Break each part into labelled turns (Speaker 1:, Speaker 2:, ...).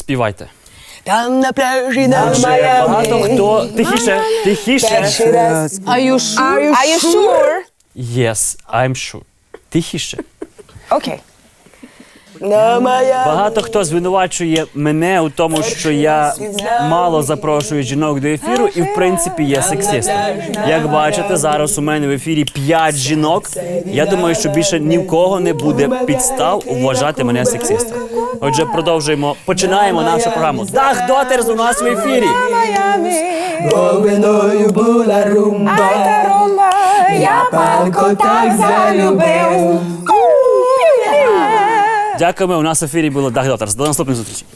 Speaker 1: Співайте.
Speaker 2: Там на пляжі на
Speaker 1: Багато хто... Тихіше.
Speaker 2: Are you sure?
Speaker 1: Yes, I'm sure. Тихіше.
Speaker 2: Окей.
Speaker 1: Багато хто звинувачує мене у тому, що я мало запрошую жінок до ефіру і, в принципі, є сексистом. Як бачите, зараз у мене в ефірі 5 жінок. Я думаю, що більше ні в кого не буде підстав вважати мене сексистом. Отже, починаємо нашу програму. Дах Дотерс у нас в ефірі.
Speaker 2: Я палко так залюбив.
Speaker 1: Дякуємо, у нас в ефірі було Дах Дотерс. До наступної зустрічі.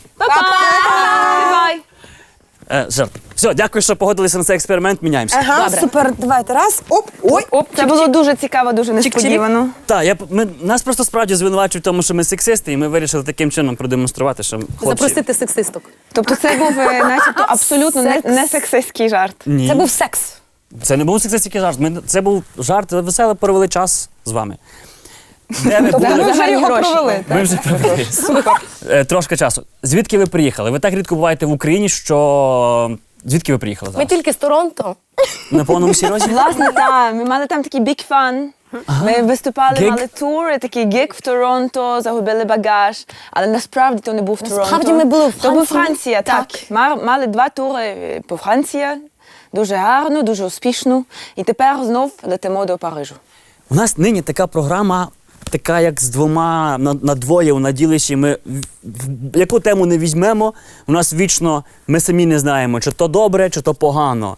Speaker 1: Жарт. Все, дякую, що погодилися на цей експеримент. Міняємося.
Speaker 2: Ага, супер, давайте, раз, оп, ой.
Speaker 3: Це було дуже цікаво, дуже несподівано.
Speaker 1: Так, нас просто справді звинувачують в тому, що ми сексисти, і ми вирішили таким чином продемонструвати, що хлопці...
Speaker 4: Запросити сексисток.
Speaker 3: Тобто це був начебто абсолютно не сексистський жарт.
Speaker 1: Ні.
Speaker 4: Це був секс.
Speaker 1: Це не був сексистський жарт. Це був жарт, весело провели час з вами. Де ви були?
Speaker 3: Ми вже його провели.
Speaker 1: Ми вже провели. Супер. Трошки часу. Звідки ви приїхали? Ви так рідко буваєте в Україні, що... Звідки ви приїхали
Speaker 4: Ми
Speaker 1: зараз?
Speaker 4: тільки з Торонто.
Speaker 1: На повному серйозі?
Speaker 3: Власне, так. Ми мали там такий big fun. Ми виступали,
Speaker 1: Гіг?
Speaker 3: мали тур, такий гіг в Торонто, загубили багаж. Але насправді то не був Торонто.
Speaker 4: Насправді ми були в
Speaker 3: То був
Speaker 4: Франції.
Speaker 3: Франція, так. Мали 2 тури по Франції. Дуже гарно, дуже успішно. І тепер знов летимо до Парижу.
Speaker 1: У нас нині така програма, така як з двома, на двоє у наділищі. Ми яку тему не візьмемо, у нас вічно, ми самі не знаємо, чи то добре, чи то погано.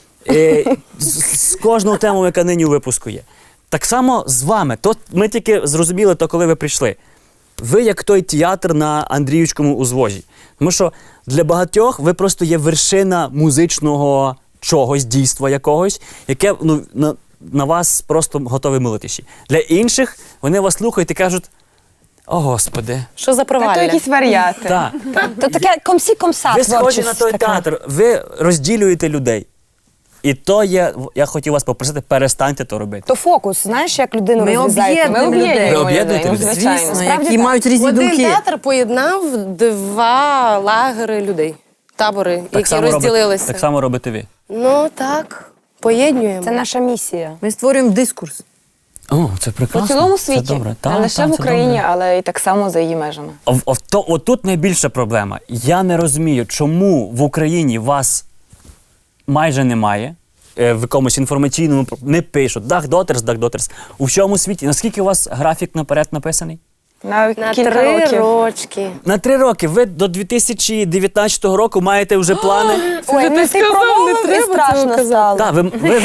Speaker 1: З кожного тему, яка нині у випуску є. Так само з вами. Ми тільки зрозуміли то, коли ви прийшли. Ви як той театр на Андріївському узвозі. Тому що для багатьох ви просто є вершина музичного чогось, дійства якогось, яке на вас просто готові молитися. Для інших вони вас слухають і кажуть: «О, Господи».
Speaker 4: Що за
Speaker 3: То
Speaker 4: провалля?
Speaker 3: якісь варіати.
Speaker 1: Так.
Speaker 4: То таке комсі-комса.
Speaker 1: Ви схожі на той театр, ви розділюєте людей. І то є, я хотів вас попросити, перестаньте то робити.
Speaker 2: То фокус, знаєш, як людину
Speaker 4: Ми
Speaker 2: розрізаєте?
Speaker 3: Ми об'єднуємо
Speaker 1: Ви об'єднуєте
Speaker 3: людей, ну,
Speaker 1: людей?
Speaker 3: звичайно.
Speaker 4: Звісно,
Speaker 2: які мають різні
Speaker 4: Один
Speaker 2: думки.
Speaker 4: театр поєднав 2 лагери людей. Табори, які розділилися.
Speaker 1: Так само робите ви.
Speaker 4: Ну так, поєднуємо.
Speaker 2: Це наша місія.
Speaker 5: Ми створюємо дискурс.
Speaker 1: О, це
Speaker 3: По
Speaker 1: прекрасно.
Speaker 3: цілому
Speaker 1: Це
Speaker 3: світі,
Speaker 1: добре.
Speaker 3: не
Speaker 1: Так,
Speaker 3: лише
Speaker 1: так,
Speaker 3: в
Speaker 1: це
Speaker 3: Україні,
Speaker 1: добре.
Speaker 3: але і так само за її межами.
Speaker 1: Отут найбільша проблема. Я не розумію, чому в Україні вас майже немає, в якомусь інформаційному не пишуть «Дах Дотерс». У всьому світі. Наскільки у вас графік наперед написаний?
Speaker 3: На
Speaker 4: На
Speaker 3: кілька
Speaker 4: 3
Speaker 3: років.
Speaker 4: рочки.
Speaker 1: На 3 роки. Ви до 2019 року маєте вже плани.
Speaker 2: Ой, ну ти промовив і страшно стало.
Speaker 1: Так,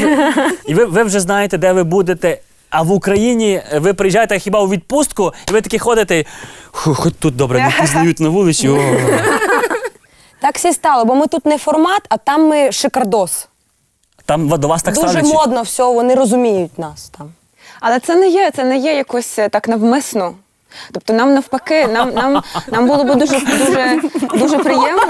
Speaker 1: ви вже знаєте, де ви будете. А в Україні ви приїжджаєте хіба у відпустку, і ви такі ходите, хоч тут добре, не пізнають на вулиці. О.
Speaker 2: Так всі стало, бо ми тут не формат, а там ми шикардос.
Speaker 1: Там до вас так
Speaker 2: Дуже
Speaker 1: ставлять?
Speaker 2: модно все, вони розуміють нас там.
Speaker 3: Але це не є якось так навмисно. Тобто нам навпаки, нам було б дуже приємно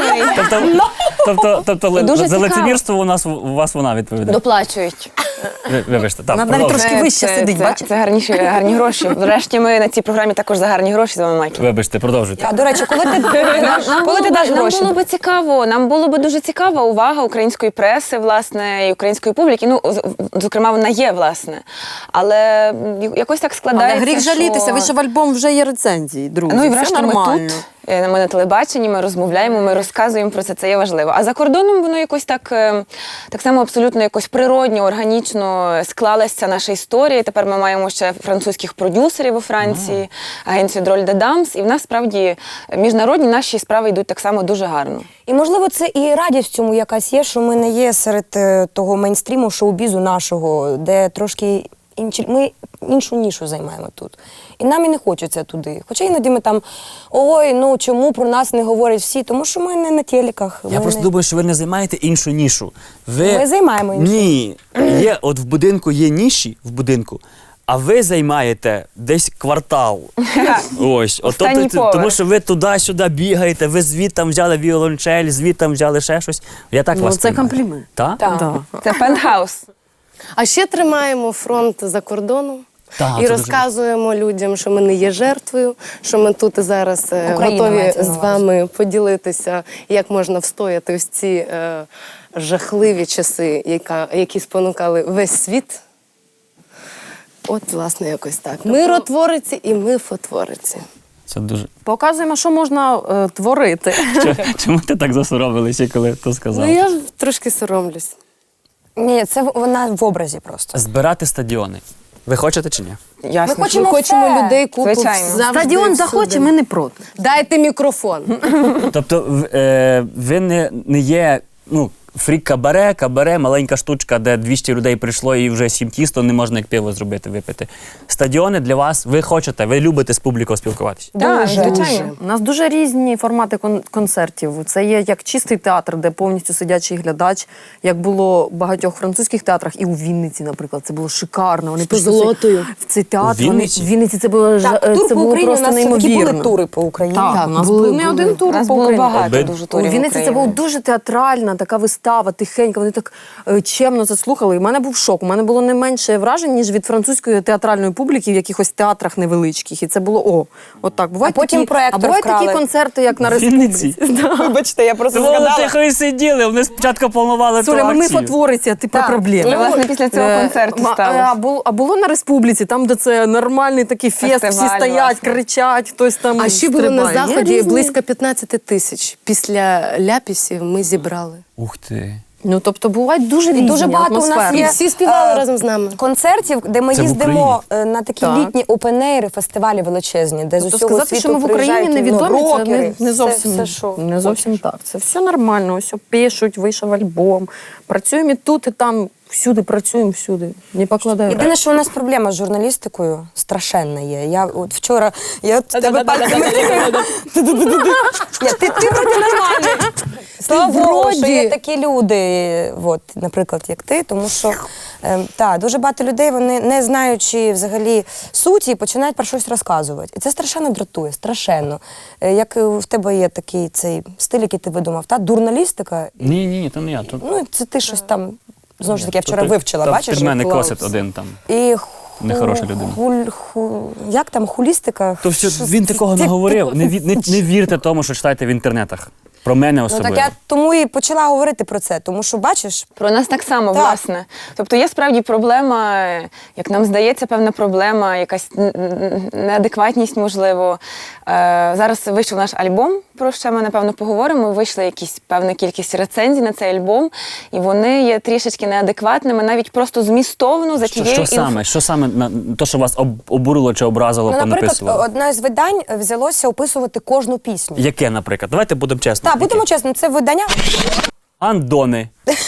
Speaker 1: Тобто
Speaker 3: І дуже
Speaker 1: за
Speaker 3: цікаво.
Speaker 1: лицемірство у вас вона
Speaker 3: і
Speaker 1: відповідає.
Speaker 3: доплачують.
Speaker 1: Вибачте, так,
Speaker 5: Вона навіть
Speaker 1: продовжуйте.
Speaker 5: трошки вище сидить, бачите?
Speaker 3: Це гарні гроші. Врешті ми на цій програмі також за гарні гроші з вами, Майкл.
Speaker 1: Вибачте, продовжуйте.
Speaker 2: А, до речі, коли ти даш гроші?
Speaker 3: Нам було б дуже цікава увага української преси, власне, і української публіки. Ну, зокрема, вона є, власне. Але якось так
Speaker 5: Але
Speaker 3: складається,
Speaker 5: гріх жалітися, ви ж в альбом вже є рецензії, друзі.
Speaker 3: Ну і
Speaker 5: все
Speaker 3: врешті ми
Speaker 5: нормально.
Speaker 3: тут, ми на телебаченні, ми розмовляємо, ми розказуємо про це є важливо. А за кордоном воно якось так само абсолютно якось природньо, органічно склалася наша історія. Тепер ми маємо ще французьких продюсерів у Франції, агенцію Дроль де Дамс. І в нас, справді, міжнародні наші справи йдуть так само дуже гарно.
Speaker 2: І, можливо, це і радість в цьому якась є, що ми не є серед того мейнстріму шоу-бізу нашого, де трошки ми іншу нішу займаємо тут. І нам і не хочеться туди. Хоча іноді ми там, ой, ну чому про нас не говорять всі? Тому що ми не на телеках.
Speaker 1: Я просто думаю, що ви не займаєте іншу нішу.
Speaker 2: Ми займаємо іншу.
Speaker 1: Ні. От в будинку є ніші, в будинку, а ви займаєте десь квартал. Ось.
Speaker 3: Останній поверх.
Speaker 1: Тому що ви туди-сюди бігаєте, ви звідти взяли віолончель, звідти взяли ще щось. Я так
Speaker 5: Ну,
Speaker 1: вас
Speaker 5: це
Speaker 1: приймаю.
Speaker 5: комплімент.
Speaker 1: Так?
Speaker 2: Так.
Speaker 5: Да.
Speaker 3: Це пентхаус.
Speaker 4: А ще тримаємо фронт за кордоном.
Speaker 1: Так,
Speaker 5: і
Speaker 1: це
Speaker 5: розказуємо людям, що ми не є жертвою, що ми тут і зараз
Speaker 2: Україна
Speaker 5: готові
Speaker 2: мається на
Speaker 5: з
Speaker 2: увазі.
Speaker 5: вами поділитися, як можна встояти ось ці жахливі часи, які спонукали весь світ. От, власне, якось так. Миротвориці і мифотвориці.
Speaker 1: Це дуже.
Speaker 4: Показуємо, що можна творити.
Speaker 1: Чому ти так засоромилася, коли то сказав?
Speaker 5: Ну, я трошки соромлюсь.
Speaker 2: Ні, це вона в образі просто.
Speaker 1: Збирати стадіони. Ви хочете чи ні?
Speaker 3: Ясно.
Speaker 2: Ми хочемо
Speaker 5: Ми хочемо
Speaker 2: все.
Speaker 5: людей купу
Speaker 3: Звичайно.
Speaker 5: завжди,
Speaker 4: Стадіон
Speaker 5: всюди.
Speaker 4: захоче, ми не проти.
Speaker 5: Дайте мікрофон.
Speaker 1: Тобто ви не є фрік-кабаре, маленька штучка, де 200 людей прийшло і вже 7 тісто, не можна як пиво зробити, випити. Стадіони для вас, ви хочете, ви любите з публікою спілкуватися.
Speaker 3: Так,
Speaker 2: Дуже.
Speaker 3: звичайно.
Speaker 4: У нас дуже різні формати концертів. Це є як чистий театр, де повністю сидячий глядач, як було в багатьох французьких театрах, і у Вінниці, наприклад, це було шикарно. Вони
Speaker 5: З золотою.
Speaker 4: в цей театр.
Speaker 1: У Вінниці?
Speaker 4: В Вінниці це було
Speaker 2: Так, тур
Speaker 4: це
Speaker 2: по
Speaker 4: було
Speaker 2: Україні, у
Speaker 4: просто
Speaker 2: нас такі
Speaker 4: неймовірно.
Speaker 2: були тури по Україні.
Speaker 4: Так, у нас
Speaker 5: були,
Speaker 4: був не один
Speaker 5: були.
Speaker 4: тур
Speaker 3: У нас
Speaker 4: по
Speaker 3: було
Speaker 4: Україні.
Speaker 3: багато дуже
Speaker 4: У
Speaker 3: турів
Speaker 4: Вінниці це
Speaker 3: України.
Speaker 4: була дуже театральна така вистава, тихенька. Вони так чемно це слухали. І в мене був шок. У мене було не менше вражень, ніж від французької театральної публіки в якихось театрах невеличких. І це було отак. Бувають
Speaker 2: А потім
Speaker 4: такі,
Speaker 2: проектор
Speaker 4: бувають такі
Speaker 2: вкрали.
Speaker 4: концерти, як на
Speaker 1: В Вінниці?
Speaker 4: Республіці.
Speaker 3: Вибачте, я просто
Speaker 1: Вони тихо і сиділи, вони спочатку планували ту
Speaker 4: Соля, ми
Speaker 1: акцію.
Speaker 4: фотвориці, а ти про проблеми.
Speaker 3: Ну, власне, після цього концерту сталося.
Speaker 4: А було на Республіці, там, де це нормальний такий фест, всі
Speaker 3: Фестиваль,
Speaker 4: стоять,
Speaker 3: власне.
Speaker 4: кричать, хтось там
Speaker 5: А ще було на
Speaker 4: стрибає. Є
Speaker 5: Заході
Speaker 4: різні.
Speaker 5: близько 15 тисяч. Після ляпісів ми зібрали.
Speaker 1: Ух ти.
Speaker 4: Ну, тобто, бувають дуже різні
Speaker 2: дуже багато у нас
Speaker 4: атмосфери.
Speaker 5: І
Speaker 2: є
Speaker 5: всі співали разом з нами.
Speaker 2: концертів, де ми
Speaker 1: Це в
Speaker 2: їздимо на такі
Speaker 4: Так.
Speaker 2: літні опенейри, фестивалі величезні, де з
Speaker 4: Тобто
Speaker 2: усього
Speaker 4: сказати,
Speaker 2: світу
Speaker 4: що ми в Україні
Speaker 2: приїжджають,
Speaker 4: невідомі, це
Speaker 2: рокери,
Speaker 4: не зовсім,
Speaker 2: все, що
Speaker 4: не зовсім
Speaker 2: хочеш.
Speaker 4: так. Це все нормально, ось пишуть, вийшов альбом. Працюємо і тут, і там, всюди працюємо, всюди. Не покладаємо.
Speaker 2: Єдине, що у нас проблема з журналістикою страшенна є. Я от вчора, я от тебе пальцями ти вроді нормальний. Слава Богу, що є такі люди, от, наприклад, як ти, тому що дуже багато людей, вони не знаючи взагалі суті, починають про щось розказувати. І це страшенно дратує, страшенно. Як в тебе є такий цей стиль, який ти видумав, дурналістика,
Speaker 1: Ні, то не я.
Speaker 2: ну це ти щось там, знову ж таки, я вчора вивчила, бачиш?
Speaker 1: Під мене
Speaker 2: Клаус.
Speaker 1: косить один там.
Speaker 2: І
Speaker 1: Нехороша людина.
Speaker 2: як там, хулістика?
Speaker 1: То все,
Speaker 2: Щось-
Speaker 1: він такого не говорив. Не вірте тому, що читаєте в інтернетах. Про мене
Speaker 2: Ну
Speaker 1: особливо.
Speaker 2: так я тому і почала говорити про це, тому що, бачиш,
Speaker 3: Про нас так само,
Speaker 2: Так.
Speaker 3: власне. Тобто є справді проблема, як нам здається, певна проблема, якась неадекватність, можливо. Зараз вийшов наш альбом, про що ми, напевно, поговоримо. Вийшла якісь певна кількість рецензій на цей альбом, і вони є трішечки неадекватними, навіть просто змістовно за тією
Speaker 1: Що саме то, що вас обурило чи образило,
Speaker 2: ну, наприклад,
Speaker 1: понаписувало?
Speaker 2: одне з видань взялося описувати кожну пісню.
Speaker 1: Яке, наприклад? Давайте будемо чесно.
Speaker 2: Так, будемо чесно, це видання.
Speaker 1: Андони.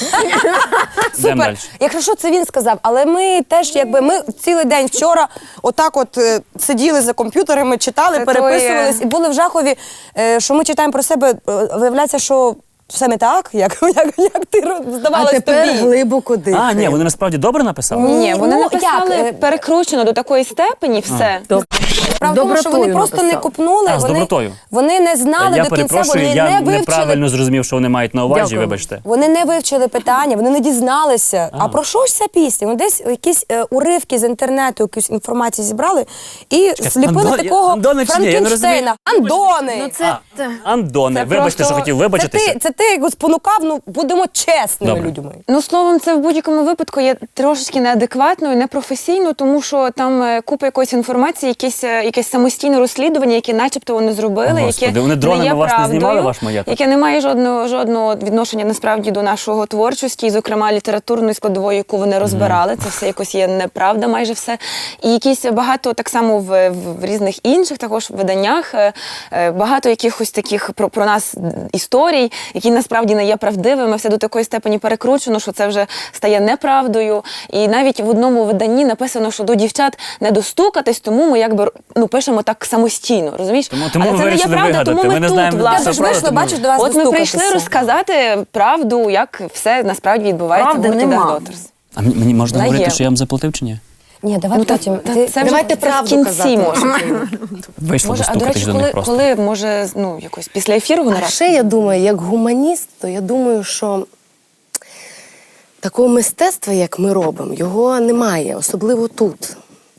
Speaker 1: Йдемо
Speaker 2: Супер.
Speaker 1: далі.
Speaker 2: Якщо що, це він сказав, але ми теж, якби ми цілий день вчора отак от сиділи за комп'ютерами, читали,
Speaker 3: Це
Speaker 2: переписувались і були в жахові, що ми читаємо про себе. Виявляється, що все не так, як ти
Speaker 5: А
Speaker 2: здавалось
Speaker 5: тепер
Speaker 2: тобі.
Speaker 5: глибоко дихай.
Speaker 1: А, ні, вони насправді добре написали?
Speaker 3: Ні, вони
Speaker 2: Ну,
Speaker 3: написали
Speaker 2: як?
Speaker 3: перекручено до такої степені все.
Speaker 2: Справа в тому, що вони просто не копнули,
Speaker 1: А, з добротою.
Speaker 2: вони не знали
Speaker 1: Я
Speaker 2: до кінця,
Speaker 1: перепрошую,
Speaker 2: вони
Speaker 1: я
Speaker 2: не вивчили.
Speaker 1: неправильно зрозумів, що вони мають на увазі,
Speaker 4: Дякую.
Speaker 1: вибачте.
Speaker 2: Вони не вивчили питання, вони не дізналися. А про що ж ця пісня? Вони десь якісь уривки з інтернету, якусь інформацію зібрали і сліпили
Speaker 1: Андони-
Speaker 2: такого
Speaker 1: Андони чи ні? Я не розумію.
Speaker 2: Франкенштейна. Андони!
Speaker 4: Ну, це
Speaker 1: Андони,
Speaker 3: Це
Speaker 1: вибачте,
Speaker 3: просто-
Speaker 1: що хотів
Speaker 2: це
Speaker 1: вибачитися.
Speaker 2: ти його спонукав, ну будемо чесними
Speaker 1: Добре.
Speaker 2: людьми.
Speaker 3: Ну, словом, це в будь-якому випадку є трошечки неадекватно і непрофесійно, тому що там купа якоїсь інформації, якесь самостійне розслідування, яке начебто вони зробили,
Speaker 1: Господи,
Speaker 3: яке
Speaker 1: вони дронами
Speaker 3: не є
Speaker 1: вас не
Speaker 3: правдою,
Speaker 1: знімали, ваш маєток?
Speaker 3: яке не має жодного відношення насправді до нашого творчості, і, зокрема, літературної складової, яку вони розбирали. Це все якось є неправда, майже все. І якісь багато так само в різних інших також виданнях, багато якихось таких про нас історій, які насправді не є правдивими, все до такої степені перекручено, що це вже стає неправдою. І навіть в одному виданні написано, що до дівчат не достукатись, тому ми якби пишемо так самостійно, розумієш?
Speaker 1: Тому
Speaker 3: Але
Speaker 1: ви
Speaker 3: це не є
Speaker 1: вирішили
Speaker 3: правда,
Speaker 1: вигадати.
Speaker 3: тому
Speaker 1: Ми
Speaker 3: ми
Speaker 1: не
Speaker 3: тут,
Speaker 1: знаємо,
Speaker 3: власне.
Speaker 1: що
Speaker 2: Я ж вийшла,
Speaker 1: правда,
Speaker 2: бачиш, до вас
Speaker 3: От ми прийшли
Speaker 2: достукатися.
Speaker 3: розказати правду, як все насправді відбувається
Speaker 4: Правди
Speaker 3: в гурті
Speaker 4: нема.
Speaker 3: The Daughters.
Speaker 1: А мені можна
Speaker 3: Вона
Speaker 1: говорити,
Speaker 3: є.
Speaker 1: що я вам заплатив чи ні?
Speaker 2: Ні, давай потім.
Speaker 3: Це вже
Speaker 5: Давайте
Speaker 3: це в
Speaker 5: правду
Speaker 3: кінці
Speaker 5: казати.
Speaker 3: може.
Speaker 1: Вийшло
Speaker 3: Може, а до
Speaker 1: достукатись
Speaker 3: речі,
Speaker 1: до них просто.
Speaker 3: коли може, якось після ефіру
Speaker 5: А
Speaker 3: наразі?
Speaker 5: ще я думаю, як гуманіст, то я думаю, що такого мистецтва, як ми робимо, його немає, особливо тут.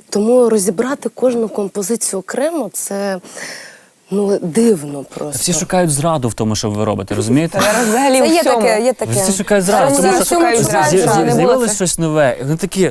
Speaker 5: Тому розібрати кожну композицію окремо це дивно просто.
Speaker 1: Всі шукають зраду в тому, що ви робите, розумієте?
Speaker 3: Зараз взагалі
Speaker 2: Це
Speaker 3: в
Speaker 2: є
Speaker 3: всьому.
Speaker 2: таке, є таке.
Speaker 1: Всі шукають зраду,
Speaker 2: Зараз
Speaker 1: тому
Speaker 2: всі
Speaker 1: що
Speaker 2: шукають зраду,
Speaker 3: не було
Speaker 1: з'явилось
Speaker 3: це.
Speaker 1: щось нове. І вони такі,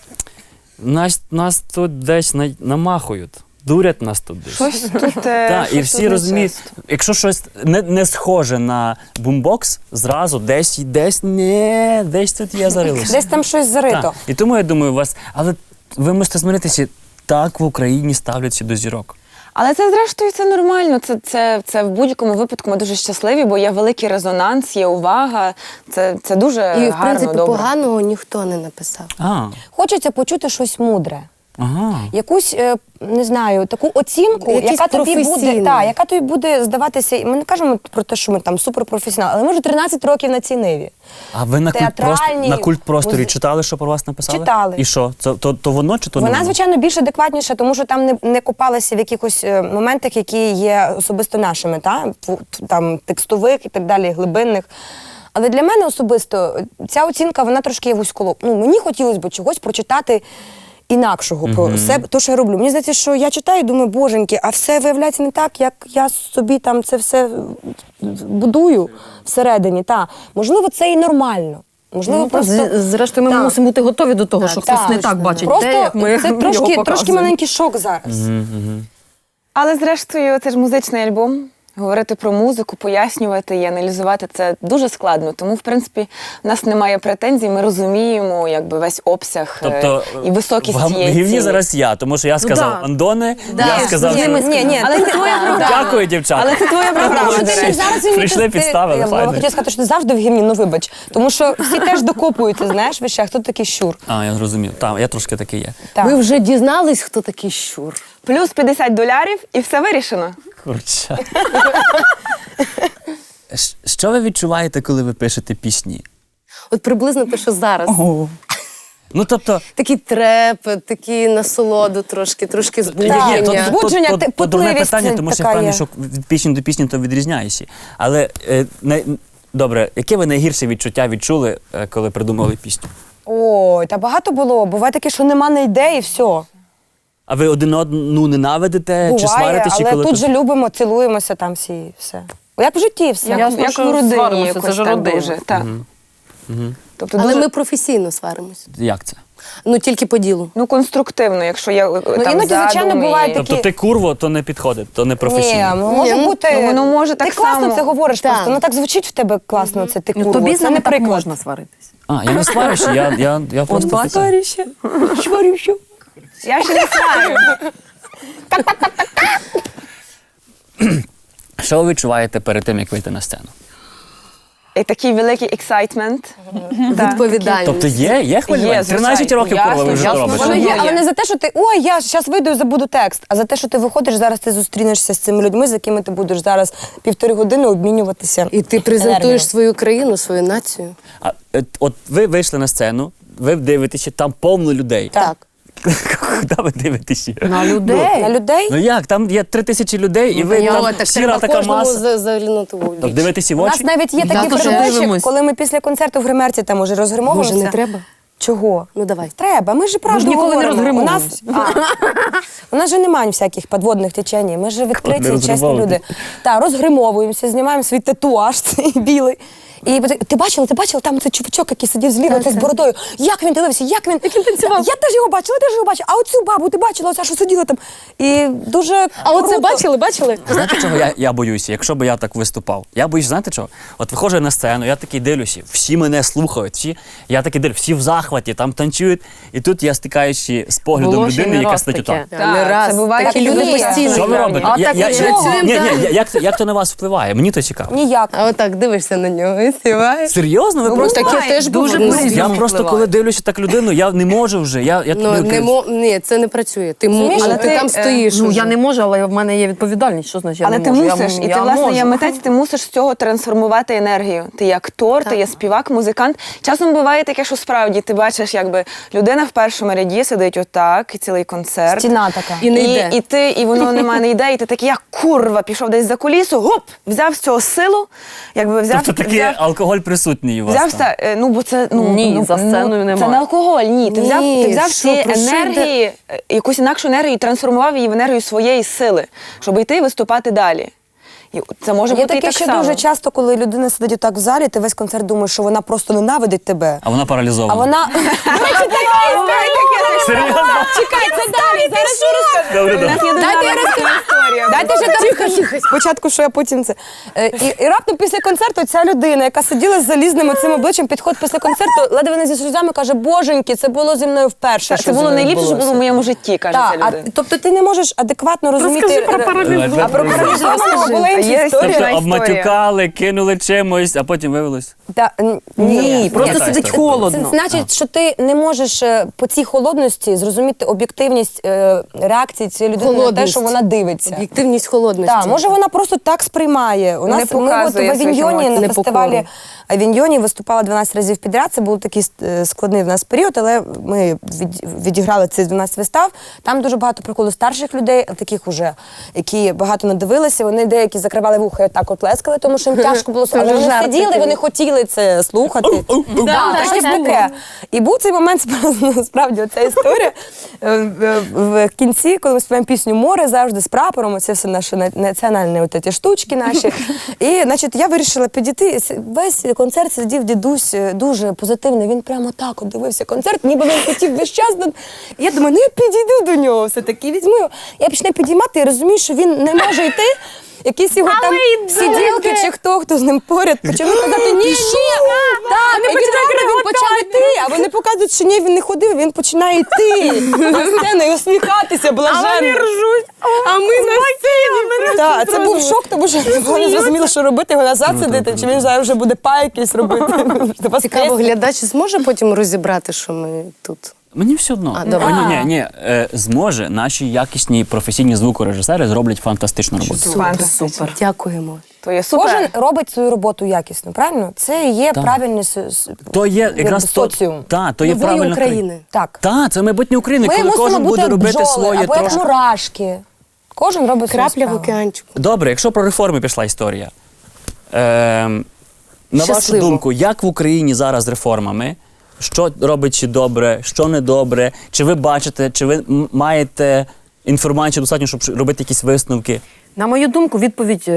Speaker 1: нас тут десь намахують, дурять нас тут десь.
Speaker 3: Щось тут.
Speaker 1: Так, і всі розуміють, якщо щось не схоже на бумбокс, зразу десь тут є зарилося.
Speaker 2: Десь там щось зарито.
Speaker 1: Так. І тому я думаю, але ви мусите змиритися, так в Україні ставляться до зірок.
Speaker 3: Але це, зрештою, це нормально. Це в будь-якому випадку ми дуже щасливі, бо є великий резонанс, є увага. Це дуже
Speaker 5: І, в
Speaker 3: гарно,
Speaker 5: принципі,
Speaker 3: добре.
Speaker 5: поганого ніхто не написав.
Speaker 2: Хочеться почути щось мудре.
Speaker 1: Ага.
Speaker 2: Якусь, не знаю, таку оцінку,
Speaker 5: Якийсь
Speaker 2: яка тобі буде,
Speaker 5: професійний.
Speaker 2: яка тобі буде здаватися. Ми не кажемо про те, що ми там суперпрофесіонали, але ми вже 13 років на цій ниві.
Speaker 1: А ви на
Speaker 2: Театральні
Speaker 1: культпросторі читали, що про вас написали?
Speaker 2: Читали.
Speaker 1: І що? То воно чи то не
Speaker 2: Вона,
Speaker 1: воно?
Speaker 2: звичайно, більш адекватніша, тому що там не копалися в якихось моментах, які є особисто нашими, там текстових і так далі, глибинних. Але для мене особисто ця оцінка, вона трошки є вузьколоб. Мені хотілося б чогось прочитати інакшого про себе, то, що я роблю. Мені здається, що я читаю і думаю, боженьки, а все виявляється не так, як я собі там це все будую всередині. Можливо, це і нормально. Можливо, просто...
Speaker 4: Зрештою, ми
Speaker 2: Так.
Speaker 4: мусимо бути готові до того, що хтось не так бачить.
Speaker 2: Просто
Speaker 4: те, як ми
Speaker 2: це
Speaker 4: його
Speaker 2: трошки
Speaker 4: показуємо.
Speaker 2: маленький шок зараз.
Speaker 3: Але, зрештою, це ж музичний альбом. Говорити про музику, пояснювати і аналізувати – це дуже складно. Тому, в принципі, в нас немає претензій, ми розуміємо весь обсяг
Speaker 1: Тобто,
Speaker 3: і високість
Speaker 1: в
Speaker 3: цієї
Speaker 1: гівні
Speaker 3: ціни.
Speaker 1: зараз я, тому що я сказав
Speaker 4: да.
Speaker 1: Андоне, я сказав...
Speaker 2: Ні,
Speaker 3: Але це твоя програма.
Speaker 1: Дякую, дівчата.
Speaker 3: Але це твоя програма, до речі.
Speaker 1: Прийшли, підставили,
Speaker 2: Я
Speaker 1: файно.
Speaker 2: хотіла сказати, що ти завжди в гімні, вибач. Тому що всі теж докопуються, знаєш, вище, а хто такий щур.
Speaker 1: Я зрозумів. Так, я трошки такий є.
Speaker 2: Так.
Speaker 5: Ви вже дізнались, хто такий щур?
Speaker 3: Плюс $50 і все вирішено.
Speaker 1: Курча. Що ви відчуваєте, коли ви пишете пісні?
Speaker 5: От приблизно те, що зараз.
Speaker 1: Тобто,
Speaker 5: Такий трепет, такий насолоду трошки збудження.
Speaker 2: Є, тут збудження,
Speaker 1: дурне
Speaker 2: потливість
Speaker 1: питання, тому що я
Speaker 2: така
Speaker 1: впевнений,
Speaker 2: є.
Speaker 1: що від пісні до пісні то відрізняєшся. Але, добре, яке ви найгірше відчуття відчули, коли придумали пісню?
Speaker 2: Ой, та багато було. Буває таке, що нема на ідеї, і все.
Speaker 1: А ви один одну ненавидите, чи
Speaker 2: Буває,
Speaker 1: сваритесь? Чи
Speaker 2: але
Speaker 1: коли
Speaker 2: тут
Speaker 1: то-
Speaker 2: же любимо, цілуємося там всі, і все. Як в житті все.
Speaker 4: Ясно,
Speaker 3: Як
Speaker 4: що
Speaker 3: в родині
Speaker 4: сваримося,
Speaker 3: якось
Speaker 4: це ж
Speaker 3: так
Speaker 4: родина.
Speaker 3: дуже. Так. Тобто
Speaker 5: Але
Speaker 3: дуже
Speaker 5: ми професійно сваримось.
Speaker 1: Як це?
Speaker 5: Тільки по ділу.
Speaker 3: конструктивно, якщо є там
Speaker 2: іноді, звичайно,
Speaker 3: задум і-
Speaker 2: буває
Speaker 1: Тобто
Speaker 2: Такі-
Speaker 1: ти курво, то не підходить, то не професійно.
Speaker 2: Ні, може
Speaker 5: Ні,
Speaker 2: бути.
Speaker 3: воно може так
Speaker 2: ти класно
Speaker 3: само.
Speaker 2: це говориш
Speaker 5: Так.
Speaker 2: просто. Воно так звучить в тебе класно, це ти курва.
Speaker 4: Тобі з
Speaker 2: Це
Speaker 4: нами
Speaker 2: не
Speaker 4: так
Speaker 2: приклад.
Speaker 4: можна сваритись.
Speaker 1: Я не сварюся, я просто...
Speaker 2: Сварюся. Сварюся.
Speaker 3: Я ще не знаю.
Speaker 1: Що ви відчуваєте перед тим, як вийти на сцену?
Speaker 3: І такий великий ексайтмент.
Speaker 5: Відповідальність.
Speaker 1: Тобто є хвилювання?
Speaker 3: Є, звичайно.
Speaker 1: 13 років
Speaker 3: Ясно,
Speaker 1: курва ви вже
Speaker 3: ясно,
Speaker 1: то робите.
Speaker 2: Воно є,
Speaker 3: Воно
Speaker 2: але
Speaker 3: є.
Speaker 2: не за те, що ти ой, я зараз вийду і забуду текст, а за те, що ти виходиш зараз, ти зустрінешся з цими людьми, з якими ти будеш зараз 1,5 години обмінюватися.
Speaker 5: І ти презентуєш
Speaker 2: енергією.
Speaker 5: свою країну, свою націю.
Speaker 1: От ви вийшли на сцену, ви дивитеся, там повно людей.
Speaker 2: Так.
Speaker 1: Куди ви дивитеся?
Speaker 4: На людей.
Speaker 2: На людей?
Speaker 1: Ну як, там є 3000 людей, і ви там
Speaker 5: так
Speaker 1: сіра
Speaker 5: треба
Speaker 1: така
Speaker 5: кожному
Speaker 1: маса.
Speaker 5: заглянути в
Speaker 1: Тобто
Speaker 5: очі.
Speaker 1: дивитися в
Speaker 2: У нас
Speaker 1: очі?
Speaker 2: навіть є
Speaker 4: Я
Speaker 2: такі
Speaker 4: теж
Speaker 2: передачі,
Speaker 4: дивимось.
Speaker 2: коли ми після концерту в гримерці там уже розгримовуємося.
Speaker 5: Може, не треба?
Speaker 2: Чого?
Speaker 5: Ну, давай.
Speaker 2: Треба, ми ж правду
Speaker 4: ніколи не
Speaker 2: говоримо.
Speaker 4: розгримовуємося.
Speaker 2: У нас же немає всяких підводних течень. Ми ж відкриті,
Speaker 1: Не
Speaker 2: чесні
Speaker 1: розгримовуєте.
Speaker 2: люди. Так, розгримовуємося, знімаємо свій татуаж цей білий. І ти бачила, там цей чувачок, який сидів зліва, цей з бородою. Як він дивився, як він танцював? Я теж його бачила, А оцю бабу ти бачила, оця, що сиділа там. І дуже
Speaker 5: А оце
Speaker 2: круто.
Speaker 5: бачили?
Speaker 1: Знаєте, чого я боюся, якщо б я так виступав? Я боюсь, знаєте чого? От виходжу на сцену, я такий дивлюся, всі мене слухають, я такий дивлюся, всі в захваті, там танцюють. І тут я стикаючи з поглядом
Speaker 4: Було ще
Speaker 1: людини,
Speaker 4: не
Speaker 1: яка
Speaker 4: раз
Speaker 1: стоїть
Speaker 4: таке.
Speaker 1: отак.
Speaker 5: Не раз.
Speaker 3: це буває.
Speaker 5: Такі
Speaker 2: Так
Speaker 5: люди
Speaker 2: і є.
Speaker 5: постійно.
Speaker 1: Що ви робите?
Speaker 4: А так і
Speaker 1: Як то на вас впливає? Мені то цікаво.
Speaker 2: Ніяк.
Speaker 5: А отак дивишся на нього і співаєш.
Speaker 1: Серйозно? Ви просто
Speaker 5: Таке теж
Speaker 4: дуже
Speaker 5: було.
Speaker 4: по-різному.
Speaker 1: я просто
Speaker 4: впливає.
Speaker 1: коли дивлюся так людину, я не можу вже.
Speaker 5: Ні, це не працює.
Speaker 2: Розумієш,
Speaker 5: Але
Speaker 2: але
Speaker 5: ти
Speaker 3: ти,
Speaker 5: там стоїш.
Speaker 4: Ну,
Speaker 5: уже.
Speaker 4: я не можу, але в мене є відповідальність. Що значить я
Speaker 3: Але
Speaker 4: не
Speaker 3: ти
Speaker 4: можу?
Speaker 3: мусиш, і ти, власне, є митець, ти мусиш з цього трансформувати енергію. Ти є актор, ти є співак, музикант. Часом буває таке, що справді ти бачиш, якби людина в першому ряді сидить отак, і цілий концерт.
Speaker 2: Стіна така.
Speaker 5: І не йде.
Speaker 3: І воно немає, не йде, і ти такий, як курва, пішов десь за кулісу, гоп, взяв з цього силу, якби взяв.
Speaker 1: Тобто таке, алкоголь присутній у вас.
Speaker 3: Взяв
Speaker 1: там.
Speaker 3: бо це
Speaker 4: Ні, за сценою
Speaker 3: це
Speaker 4: немає.
Speaker 3: не алкоголь. Ні, ти взяв,
Speaker 2: Ні,
Speaker 3: ти взяв
Speaker 2: що,
Speaker 3: ці
Speaker 2: про що
Speaker 3: енергії, якусь інакшу енергію, і трансформував її в енергію своєї сили, щоб йти і виступати далі. І це може
Speaker 2: Є
Speaker 3: бути і
Speaker 2: таке
Speaker 3: так
Speaker 2: ще
Speaker 3: само.
Speaker 2: дуже часто, коли людина сидить так в залі, ти весь концерт думаєш, що вона просто ненавидить тебе.
Speaker 1: А вона паралізована.
Speaker 2: А вона...
Speaker 1: Серйозно?
Speaker 2: Чекай, це далі, зараз що розкажу.
Speaker 1: Добре,
Speaker 3: У
Speaker 1: добре.
Speaker 3: нас є дуже гарна історія.
Speaker 2: Дайте ще там тихо. Спочатку, що я потім це. І раптом після концерту ця людина, яка сиділа з залізним цим обличчям, підходить після концерту, ледве не зі сльозами каже, боженьки, це було зі мною вперше.
Speaker 3: Це було найліпше, що було в моєму житті, каже ця
Speaker 2: Так,
Speaker 3: людина.
Speaker 2: тобто ти не можеш адекватно розуміти.
Speaker 4: Розкажи про паралізм.
Speaker 2: А про паралізованого була інша
Speaker 3: Є
Speaker 2: історія.
Speaker 1: Тобто
Speaker 3: історія.
Speaker 1: обматюкали, кинули чимось, а потім виявилось.
Speaker 4: Ні, просто
Speaker 1: Та
Speaker 4: сидить
Speaker 1: історія.
Speaker 4: холодно.
Speaker 2: Це значить, що ти не можеш по цій холодності зрозуміти об'єктивність реакції цієї людини на те,
Speaker 5: Холодність.
Speaker 2: що вона дивиться.
Speaker 5: Об'єктивність холодності.
Speaker 2: Так, може вона просто так сприймає. У нас ми от
Speaker 3: показує
Speaker 2: в
Speaker 3: своїх
Speaker 2: Авіньйоні
Speaker 3: емоцій.
Speaker 2: на
Speaker 5: Непокору.
Speaker 2: фестивалі Авіньйоні виступала 12 разів підряд. Це був такий складний в нас період, але ми відіграли ці 12 вистав. Там дуже багато приходило старших людей, таких уже, які багато надивилися. Вони деякі закривали вуха і так от лескали, тому що їм тяжко було слухати. Але вони сиділи, вони хотіли це слухати. Так, щось таке. І був цей момент, насправді, оця історія. В кінці, коли ми співаємо пісню «Море», завжди з прапором, оце все наші національні от ці штучки наші. І, значить, я вирішила підійти. Весь концерт сидів дідусь дуже позитивний. Він прямо так от дивився концерт, ніби він хотів весь час. Я думаю, я підійду до нього все-таки, візьму його. Я почну підіймати, я розумію, що він не може йти. Якісь його там сиділки чи хто з ним поряд почали казати, ні, так, і він реально почав йти, а вони показують, що ні, він не ходив, він починає йти на сцену і усміхатися блаженно. А вони ржуть, а ми на сцені. Так, це був шок, тому що не зрозуміло, що робити, його назад сидити, чи він зараз вже буде па якийсь робити.
Speaker 5: Цікаво, глядач зможе потім розібрати, що ми тут?
Speaker 1: Мені все одно.
Speaker 5: добре.
Speaker 1: Ні, зможе. Наші якісні професійні звукорежисери зроблять фантастичну роботу.
Speaker 3: Фантастично.
Speaker 5: Дякуємо.
Speaker 3: То є супер.
Speaker 2: Кожен робить свою роботу якісно, правильно? Це і є правильний
Speaker 1: То є якраз
Speaker 2: соціум.
Speaker 1: то є
Speaker 5: Нової
Speaker 1: правильно.
Speaker 5: України.
Speaker 2: Так.
Speaker 1: Так, це майбутнє України,
Speaker 2: Ми
Speaker 1: коли
Speaker 2: мусимо
Speaker 1: кожен
Speaker 2: бути
Speaker 1: буде
Speaker 2: як
Speaker 1: робити
Speaker 2: бджоли,
Speaker 1: своє
Speaker 2: або
Speaker 1: трошки.
Speaker 2: як мурашки. Кожен робить свою
Speaker 5: Крапля в
Speaker 2: справу.
Speaker 5: океанчику.
Speaker 1: Добре, якщо про реформи пішла історія. На вашу
Speaker 5: Щасливо.
Speaker 1: думку, як в Україні зараз з реформами? Що робить чи добре, що не добре? Чи ви бачите, чи ви маєте інформацію достатньо, щоб робити якісь висновки?
Speaker 4: На мою думку, відповідь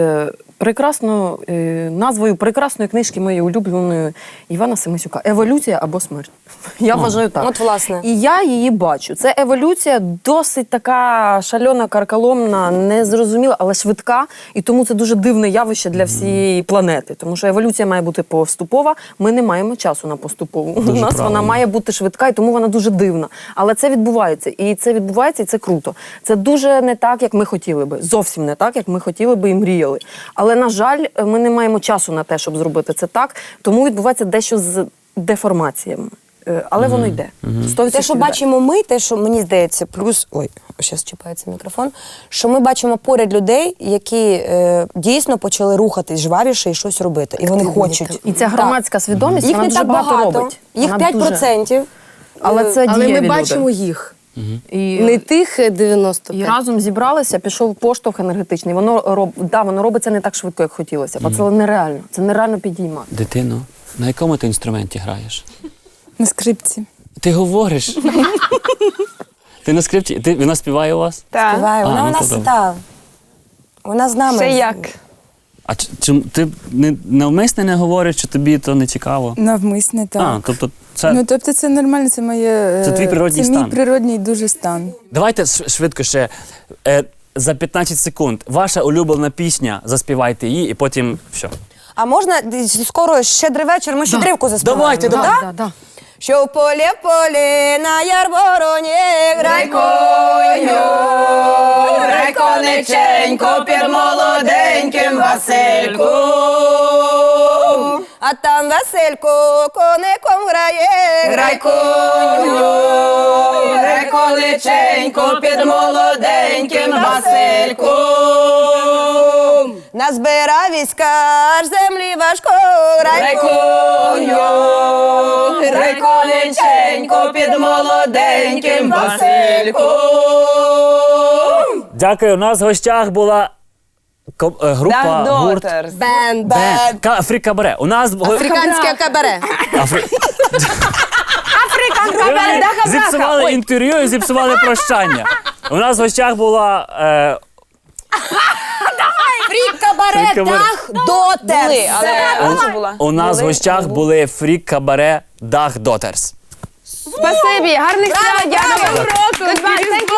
Speaker 4: назвою прекрасної книжки моєї улюбленої Івана Семисюка «Еволюція або смерть». Я вважаю так.
Speaker 2: От, власне.
Speaker 4: І я її бачу. Це еволюція досить така шальона, карколомна, незрозуміла, але швидка. І тому це дуже дивне явище для всієї планети. Тому що еволюція має бути поступова. Ми не маємо часу на поступову. У нас
Speaker 1: правильно.
Speaker 4: вона має бути швидка, і тому вона дуже дивна. Але це відбувається. І це відбувається, і це круто. Це дуже не так, як ми хотіли би. Зовсім не так, як ми хотіли би і мріяли. Але, на жаль, ми не маємо часу на те, щоб зробити це так. Тому відбувається дещо з деформаціями. Але воно йде. 100%
Speaker 2: Те, що
Speaker 4: йде.
Speaker 2: бачимо ми, те, що мені здається, плюс, зараз чіпається мікрофон, що ми бачимо поряд людей, які дійсно почали рухатись жвавіше і щось робити. І вони хочуть.
Speaker 4: І ця громадська свідомість,
Speaker 2: Їх
Speaker 4: вона
Speaker 2: не
Speaker 4: дуже
Speaker 2: так
Speaker 4: багато
Speaker 2: багато,
Speaker 4: робить.
Speaker 2: їх
Speaker 4: Вона
Speaker 2: 5%.
Speaker 4: Але це
Speaker 5: Але
Speaker 4: дієві
Speaker 5: ми
Speaker 4: люди.
Speaker 5: бачимо їх.
Speaker 4: І,
Speaker 5: Не тих 95.
Speaker 4: і разом зібралися, пішов поштовх енергетичний. Воно робиться не так швидко, як хотілося. Бо це нереально. Це нереально підіймати.
Speaker 1: Дитино, на якому ти інструменті граєш?
Speaker 6: На скрипці.
Speaker 1: Ти говориш. Ти на скрипці? Вона співає у вас?
Speaker 3: Так.
Speaker 2: Співає. Вона
Speaker 1: ну,
Speaker 2: у нас
Speaker 1: то добре.
Speaker 2: та. Вона з нами.
Speaker 3: Ще як.
Speaker 1: А чи ти навмисне не говориш, чи тобі то не цікаво?
Speaker 6: Навмисне, так.
Speaker 1: А, тобто це...
Speaker 6: Ну, тобто це нормально, це моє...
Speaker 1: Це твій природній стан.
Speaker 6: Це мій природній дуже стан.
Speaker 1: Давайте швидко ще. За 15 секунд. Ваша улюблена пісня, заспівайте її, і потім все.
Speaker 2: А можна скоро щедрий вечір, ми щедрівку заспіваємо.
Speaker 1: Давайте.
Speaker 2: Да? Що в полі на ярвороні
Speaker 3: конеченько під молоденьким Васильку.
Speaker 2: а там Василько коником грає.
Speaker 3: конеченько під молоденьким Васильку.
Speaker 2: Назбирав війська, аж землі важко.
Speaker 3: конеченько під молоденьким Васильку.
Speaker 1: Дякую. У нас в гостях була Група,
Speaker 3: Дах
Speaker 1: гурт.
Speaker 3: Дотерс.
Speaker 5: Бенд.
Speaker 1: Фрі-кабаре. У нас
Speaker 5: Африканське кабаре.
Speaker 1: зіпсували інтерв'ю і зіпсували прощання. У нас в гостях була
Speaker 2: Фрік-кабаре,
Speaker 1: Фрік-кабаре.
Speaker 2: Дах Дотерс.
Speaker 3: Були, але що була?
Speaker 1: у нас в
Speaker 3: Були,
Speaker 1: гостях були фрік-кабаре Дах Дотерс.
Speaker 3: Спасибі, гарних свят, дякую. Goodbye, thank you.